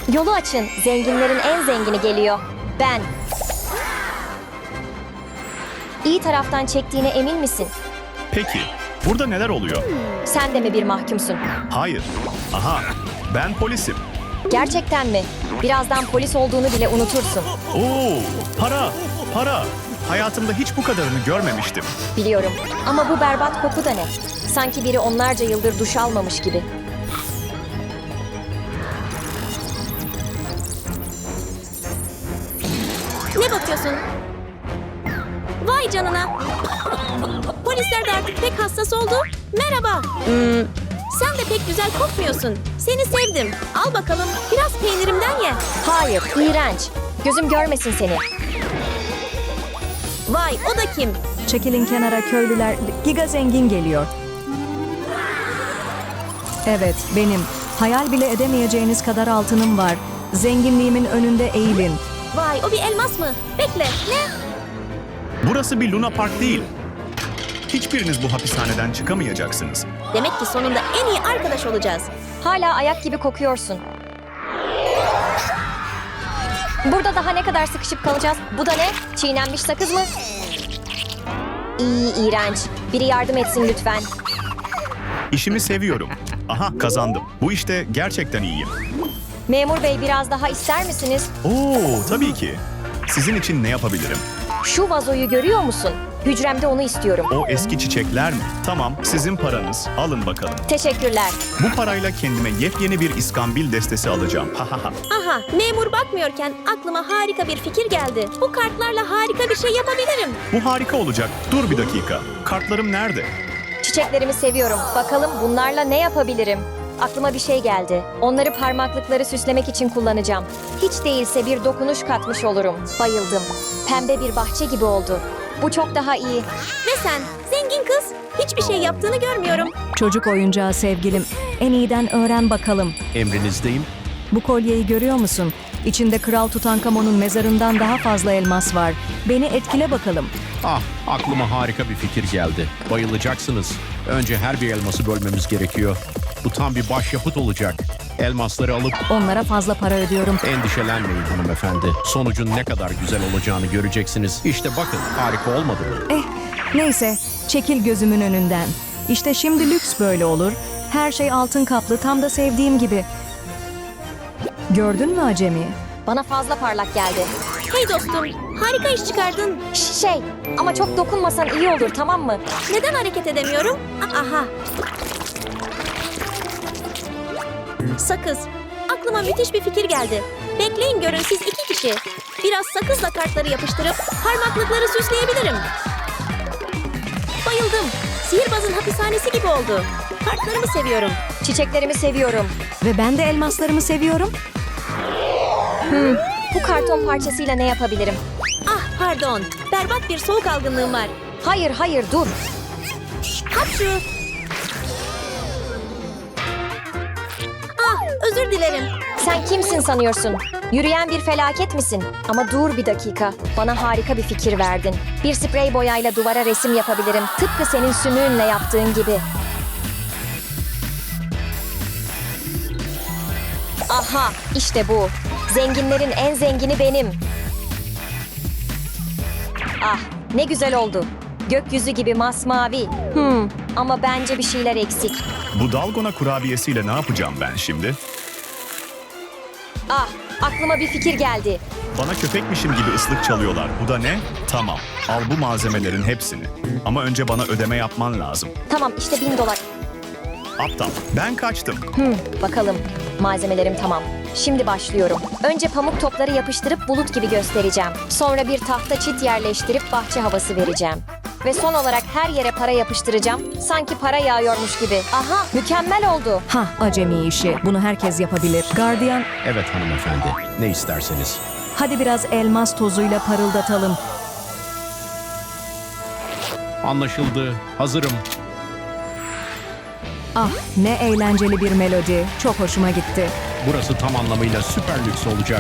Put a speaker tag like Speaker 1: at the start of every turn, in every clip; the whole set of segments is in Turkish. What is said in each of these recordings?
Speaker 1: Yolu açın. Zenginlerin en zengini geliyor. Ben. İyi taraftan çektiğine emin misin?
Speaker 2: Peki, burada neler oluyor?
Speaker 1: Sen de mi bir mahkumsun?
Speaker 2: Hayır. Aha, ben polisim.
Speaker 1: Gerçekten mi? Birazdan polis olduğunu bile unutursun.
Speaker 2: Oo, para. Hayatımda hiç bu kadarını görmemiştim.
Speaker 1: Biliyorum. Ama bu berbat koku da ne? Sanki biri onlarca yıldır duş almamış gibi.
Speaker 3: Ne bakıyorsun? Vay canına. Polisler de artık pek hassas oldu. Merhaba. Sen de pek güzel kokmuyorsun. Seni sevdim. Al bakalım biraz peynirimden ye.
Speaker 1: Hayır, iğrenç. Gözüm görmesin seni.
Speaker 3: Vay o da kim?
Speaker 4: Çekilin kenara köylüler. Giga zengin geliyor. Evet, benim. Hayal bile edemeyeceğiniz kadar altınım var. Zenginliğimin önünde eğilin.
Speaker 3: Vay o bir elmas mı? Bekle ne?
Speaker 2: Burası bir Luna Park değil. Hiçbiriniz bu hapishaneden çıkamayacaksınız.
Speaker 3: Demek ki sonunda en iyi arkadaş olacağız.
Speaker 1: Hala ayak gibi kokuyorsun. Burada daha ne kadar sıkışıp kalacağız? Bu da ne? Çiğnenmiş sakız mı? İğrenç. Biri yardım etsin lütfen.
Speaker 2: İşimi seviyorum. Aha, kazandım. Bu işte gerçekten iyiyim.
Speaker 1: Memur bey biraz daha ister misiniz?
Speaker 2: Oo, tabii ki. Sizin için ne yapabilirim?
Speaker 1: Şu vazoyu görüyor musun? Hücremde onu istiyorum.
Speaker 2: O eski çiçekler mi? Tamam, sizin paranız. Alın bakalım.
Speaker 1: Teşekkürler.
Speaker 2: Bu parayla kendime yepyeni bir iskambil destesi alacağım. Ha ha ha.
Speaker 3: Aha memur bakmıyorken aklıma harika bir fikir geldi. Bu kartlarla harika bir şey yapabilirim.
Speaker 2: Bu harika olacak. Dur bir dakika. Kartlarım nerede?
Speaker 1: Çiçeklerimi seviyorum. Bakalım bunlarla ne yapabilirim? Aklıma bir şey geldi. Onları parmaklıkları süslemek için kullanacağım. Hiç değilse bir dokunuş katmış olurum. Bayıldım. Pembe bir bahçe gibi oldu. Bu çok daha iyi.
Speaker 3: Ve sen zengin kız hiçbir şey yaptığını görmüyorum.
Speaker 4: Çocuk oyuncağı sevgilim. En iyiden öğren bakalım.
Speaker 5: Emrinizdeyim.
Speaker 4: Bu kolyeyi görüyor musun? İçinde Kral Tutankamon'un mezarından daha fazla elmas var. Beni etkile bakalım.
Speaker 5: Ah, aklıma harika bir fikir geldi. Bayılacaksınız. Önce her bir elması bölmemiz gerekiyor. Bu tam bir başyapıt olacak. Elmasları alıp
Speaker 4: Onlara fazla para ödüyorum.
Speaker 5: endişelenmeyin hanımefendi. Sonucun ne kadar güzel olacağını göreceksiniz. İşte bakın, harika olmadı mı?
Speaker 4: Neyse, çekil gözümün önünden. İşte şimdi lüks böyle olur. Her şey altın kaplı, tam da sevdiğim gibi. Gördün mü acemi?
Speaker 1: Bana fazla parlak geldi.
Speaker 3: Hey dostum harika iş çıkardın.
Speaker 1: Şey, ama çok dokunmasan iyi olur, tamam mı?
Speaker 3: Neden hareket edemiyorum? Aha. Sakız. Aklıma müthiş bir fikir geldi. Bekleyin görün siz iki kişi. Biraz sakızla kartları yapıştırıp parmaklıkları süsleyebilirim. Bayıldım. Sihirbazın hapishanesi gibi oldu. Kartlarımı seviyorum.
Speaker 1: Çiçeklerimi seviyorum.
Speaker 4: Ve ben de elmaslarımı seviyorum.
Speaker 1: Bu karton parçasıyla ne yapabilirim?
Speaker 3: Ah pardon. Berbat bir soğuk algınlığım var.
Speaker 1: Hayır, dur.
Speaker 3: Hapşu. Ah özür dilerim.
Speaker 1: Sen kimsin sanıyorsun? Yürüyen bir felaket misin? Ama dur bir dakika. Bana harika bir fikir verdin. Bir sprey boyayla duvara resim yapabilirim. Tıpkı senin sümüğünle yaptığın gibi. Aha, işte bu. Zenginlerin en zengini benim. Ah, ne güzel oldu. Gökyüzü gibi masmavi. Ama bence bir şeyler eksik.
Speaker 2: Bu dalgona kurabiyesiyle ne yapacağım ben şimdi?
Speaker 1: Ah, aklıma bir fikir geldi.
Speaker 2: Bana köpekmişim gibi ıslık çalıyorlar. Bu da ne? Tamam. Al bu malzemelerin hepsini. Ama önce bana ödeme yapman lazım.
Speaker 1: Tamam, işte $1000.
Speaker 2: Aptal. Ben kaçtım.
Speaker 1: Bakalım. Malzemelerim tamam. Şimdi başlıyorum. Önce pamuk topları yapıştırıp bulut gibi göstereceğim. Sonra bir tahta çit yerleştirip bahçe havası vereceğim. Ve son olarak her yere para yapıştıracağım. Sanki para yağıyormuş gibi. Aha, mükemmel oldu.
Speaker 4: Hah, acemi işi. Bunu herkes yapabilir. Gardiyan,
Speaker 5: Evet hanımefendi, ne isterseniz.
Speaker 4: hadi biraz elmas tozuyla parıldatalım.
Speaker 5: Anlaşıldı, hazırım.
Speaker 4: Ah, ne eğlenceli bir melodi. Çok hoşuma gitti.
Speaker 5: Burası tam anlamıyla süper lüks olacak.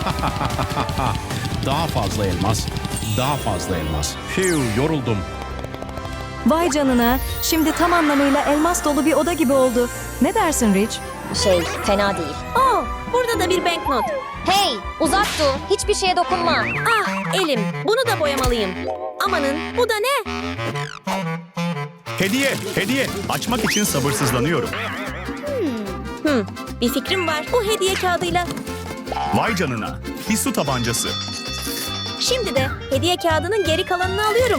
Speaker 5: Daha fazla elmas, daha fazla elmas. Fiu, yoruldum.
Speaker 4: Vay canına, şimdi tam anlamıyla elmas dolu bir oda gibi oldu. Ne dersin Rich?
Speaker 1: Fena değil.
Speaker 3: Oh, burada da da bir banknot.
Speaker 1: Hey, uzak dur. Hiçbir şeye dokunma.
Speaker 3: Ah, elim. Bunu da boyamalıyım. Amanın, bu da ne?
Speaker 2: Hediye. Açmak için sabırsızlanıyorum.
Speaker 3: Bir fikrim var. Bu hediye kağıdıyla.
Speaker 2: Vay canına. Bir su tabancası.
Speaker 3: Şimdi de hediye kağıdının geri kalanını alıyorum.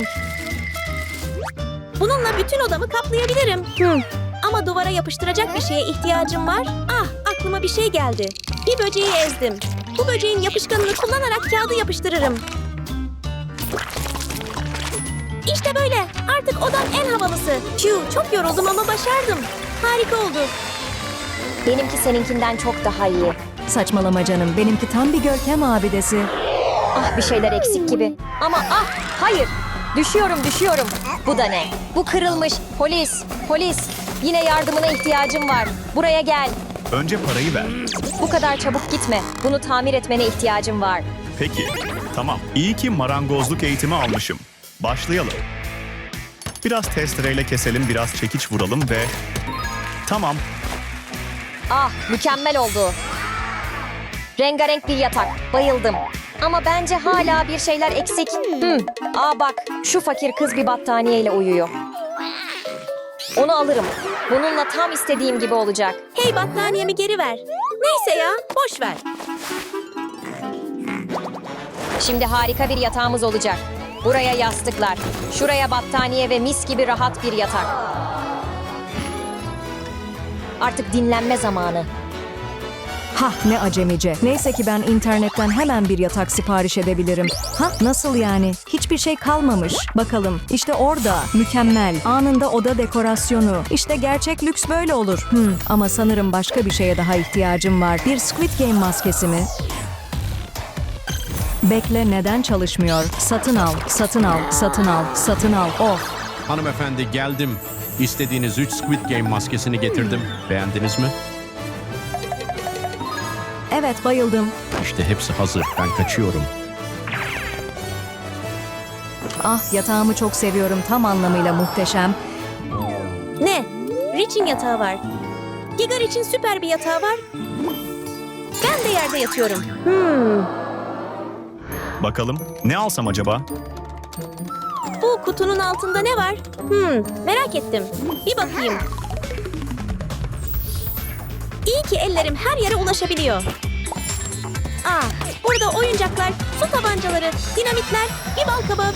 Speaker 3: Bununla bütün odamı kaplayabilirim. Ama duvara yapıştıracak bir şeye ihtiyacım var. Ah, aklıma bir şey geldi. Bir böceği ezdim. Bu böceğin yapışkanını kullanarak kağıdı yapıştırırım. İşte böyle. Artık odam en havalısı. Çok yoruldum ama başardım. Harika oldu.
Speaker 1: Benimki seninkinden çok daha iyi.
Speaker 4: Saçmalama canım. Benimki tam bir görkem abidesi.
Speaker 1: Ah, bir şeyler eksik gibi. Ama hayır. Düşüyorum. Bu da ne? Bu kırılmış. Polis. Yine yardımına ihtiyacım var. Buraya gel.
Speaker 2: Önce parayı ver.
Speaker 1: Bu kadar çabuk gitme. Bunu tamir etmene ihtiyacım var.
Speaker 2: Peki. Tamam. İyi ki marangozluk eğitimi almışım. Başlayalım. Biraz testereyle keselim, biraz çekiç vuralım ve... Tamam.
Speaker 1: Ah, mükemmel oldu. Rengarenk bir yatak. Bayıldım. Ama bence hala bir şeyler eksik. Bak, şu fakir kız bir battaniyeyle uyuyor. Onu alırım. Bununla tam istediğim gibi olacak.
Speaker 3: Hey, battaniyemi geri ver. Neyse ya, boş ver.
Speaker 1: Şimdi harika bir yatağımız olacak. Buraya yastıklar, şuraya battaniye ve mis gibi rahat bir yatak. Artık dinlenme zamanı.
Speaker 4: Hah, ne acemice. Neyse ki ben internetten hemen bir yatak sipariş edebilirim. Nasıl yani? Hiçbir şey kalmamış. Bakalım. İşte orada. Mükemmel. Anında oda dekorasyonu. İşte gerçek lüks böyle olur. Ama sanırım başka bir şeye daha ihtiyacım var. Bir Squid Game maskesi mi? Bekle, neden çalışmıyor? Satın al. Oh.
Speaker 5: Hanımefendi geldim. İstediğiniz 3 Squid Game maskesini getirdim. Beğendiniz mi?
Speaker 4: Evet, bayıldım.
Speaker 5: İşte hepsi hazır. Ben kaçıyorum.
Speaker 4: Ah, yatağımı çok seviyorum. Tam anlamıyla muhteşem.
Speaker 3: Ne? Rich'in yatağı var. Gigar için süper bir yatağı var. Ben de yerde yatıyorum.
Speaker 2: Bakalım. Ne alsam acaba?
Speaker 3: Bu kutunun altında ne var? Merak ettim. Bir bakayım. İyi ki ellerim her yere ulaşabiliyor. Burada oyuncaklar, su tabancaları, dinamitler, bir bal kabağı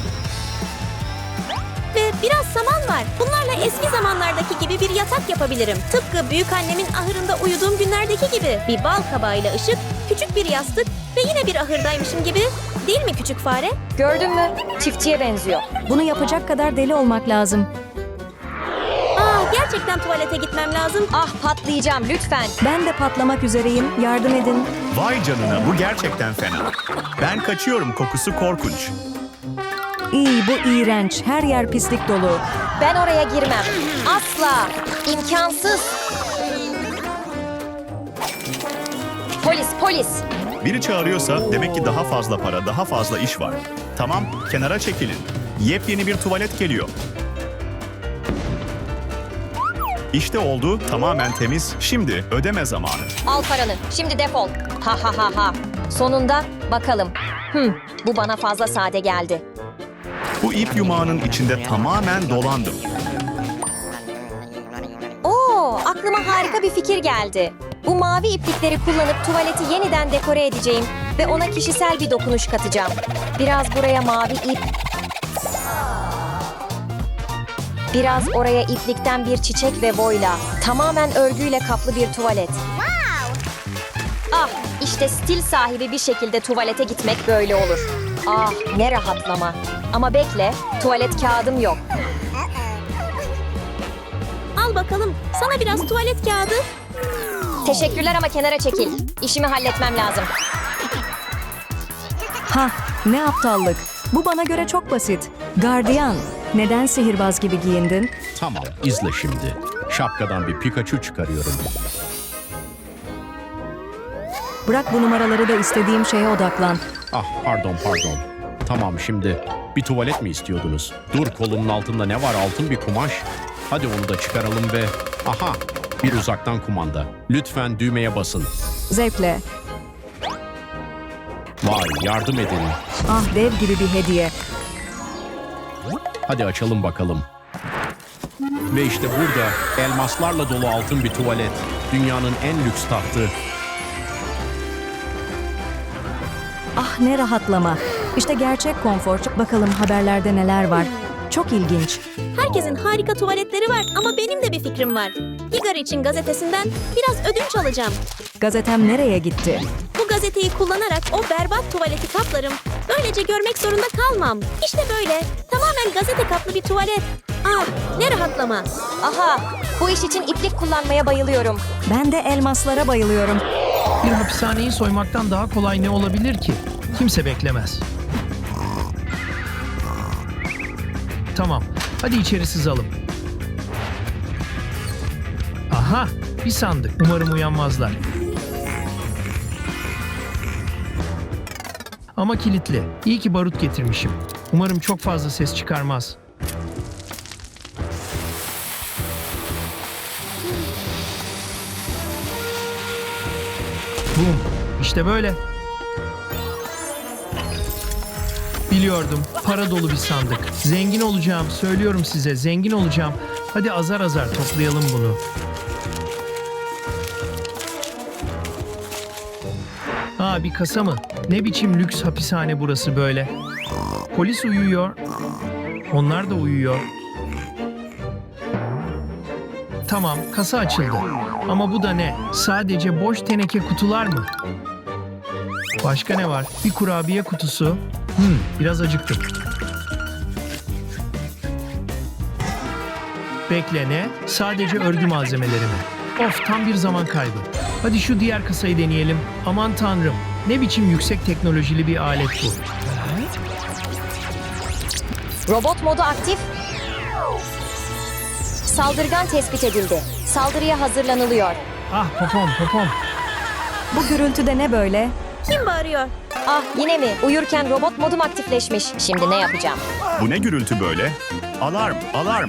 Speaker 3: ve biraz saman var. Bunlarla eski zamanlardaki gibi bir yatak yapabilirim. Tıpkı büyükannemin ahırında uyuduğum günlerdeki gibi. Bir bal kabağıyla ışık, küçük bir yastık ve yine bir ahırdaymışım gibi. Değil mi küçük fare?
Speaker 1: Gördün mü? Çiftçiye benziyor.
Speaker 4: Bunu yapacak kadar deli olmak lazım.
Speaker 3: Gerçekten tuvalete gitmem lazım.
Speaker 1: Ah, patlayacağım lütfen.
Speaker 4: Ben de patlamak üzereyim. Yardım edin.
Speaker 2: Vay canına, bu gerçekten fena. Ben kaçıyorum, kokusu korkunç.
Speaker 4: İyi, bu iğrenç. Her yer pislik dolu.
Speaker 1: Ben oraya girmem. Asla. İmkansız. Polis.
Speaker 2: Biri çağırıyorsa demek ki daha fazla para, daha fazla iş var. Tamam, kenara çekilin. Yepyeni bir tuvalet geliyor. İşte oldu, tamamen temiz. Şimdi ödeme zamanı.
Speaker 1: Al paranı. Şimdi defol. Ha. Sonunda bakalım. Bu bana fazla sade geldi.
Speaker 2: Bu ip yumağının içinde tamamen dolandım.
Speaker 1: Aklıma harika bir fikir geldi. Bu mavi iplikleri kullanıp tuvaleti yeniden dekore edeceğim ve ona kişisel bir dokunuş katacağım. Biraz buraya mavi ip. Biraz oraya iplikten bir çiçek ve boyla. Tamamen örgüyle kaplı bir tuvalet. İşte stil sahibi bir şekilde tuvalete gitmek böyle olur. Ne rahatlama. Ama bekle, tuvalet kağıdım yok.
Speaker 3: Al bakalım. Sana biraz tuvalet kağıdı.
Speaker 1: Teşekkürler ama kenara çekil. İşimi halletmem lazım.
Speaker 4: Ne aptallık. Bu bana göre çok basit. Gardiyan, neden sihirbaz gibi giyindin?
Speaker 5: Tamam, izle şimdi. Şapkadan bir Pikachu çıkarıyorum.
Speaker 4: Bırak bu numaraları da istediğim şeye odaklan.
Speaker 5: Pardon. Tamam, şimdi bir tuvalet mi istiyordunuz? Dur, kolumun altında ne var? Altın bir kumaş. Hadi onu da çıkaralım ve... bir uzaktan kumanda. Lütfen düğmeye basın.
Speaker 4: Zevkle.
Speaker 5: Vay, yardım edin.
Speaker 4: Ah, dev gibi bir hediye.
Speaker 5: Hadi açalım bakalım. Ve işte burada elmaslarla dolu altın bir tuvalet. Dünyanın en lüks tahtı.
Speaker 4: Ah, ne rahatlama. İşte gerçek konfor. Bakalım haberlerde neler var. Çok ilginç.
Speaker 3: Herkesin harika tuvaletleri var ama benim de bir fikrim var. Higari için gazetesinden biraz ödünç alacağım.
Speaker 4: Gazetem nereye gitti?
Speaker 3: Bu gazeteyi kullanarak o berbat tuvaleti kaplarım. Böylece görmek zorunda kalmam. İşte böyle. Tamamen gazete kaplı bir tuvalet. Ah, ne rahatlama.
Speaker 1: Aha, bu iş için iplik kullanmaya bayılıyorum.
Speaker 4: Ben de elmaslara bayılıyorum.
Speaker 6: Bir hapishaneyi soymaktan daha kolay ne olabilir ki? Kimse beklemez. Tamam, hadi içeri sızalım. Aha, bir sandık. Umarım uyanmazlar. Ama kilitli. İyi ki barut getirmişim. Umarım çok fazla ses çıkarmaz. Bum. İşte böyle. Biliyordum. Para dolu bir sandık. Zengin olacağım. Söylüyorum size. Zengin olacağım. Hadi azar azar toplayalım bunu. Aa, bir kasa mı? Ne biçim lüks hapishane burası böyle? Polis uyuyor. Onlar da uyuyor. Tamam, kasa açıldı. Ama bu da ne? Sadece boş teneke kutular mı? Başka ne var? Bir kurabiye kutusu. Biraz acıktım. Bekle, ne? Sadece örgü malzemeleri mi? Of, tam bir zaman kaybı. Hadi şu diğer kasayı deneyelim. Aman tanrım, ne biçim yüksek teknolojili bir alet bu.
Speaker 1: Robot modu aktif. Saldırgan tespit edildi. Saldırıya hazırlanılıyor.
Speaker 6: Ah, popom popom.
Speaker 4: Bu gürültüde ne böyle?
Speaker 3: Kim bağırıyor?
Speaker 1: Ah, yine mi? Uyurken robot modum aktifleşmiş. Şimdi ne yapacağım?
Speaker 2: Bu ne gürültü böyle? Alarm, alarm.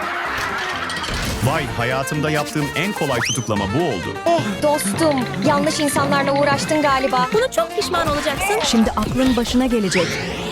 Speaker 2: Vay, hayatımda yaptığım en kolay tutuklama bu oldu.
Speaker 1: Oh dostum, yanlış insanlarla uğraştın galiba.
Speaker 3: Bunu çok pişman olacaksın.
Speaker 4: Şimdi aklın başına gelecek.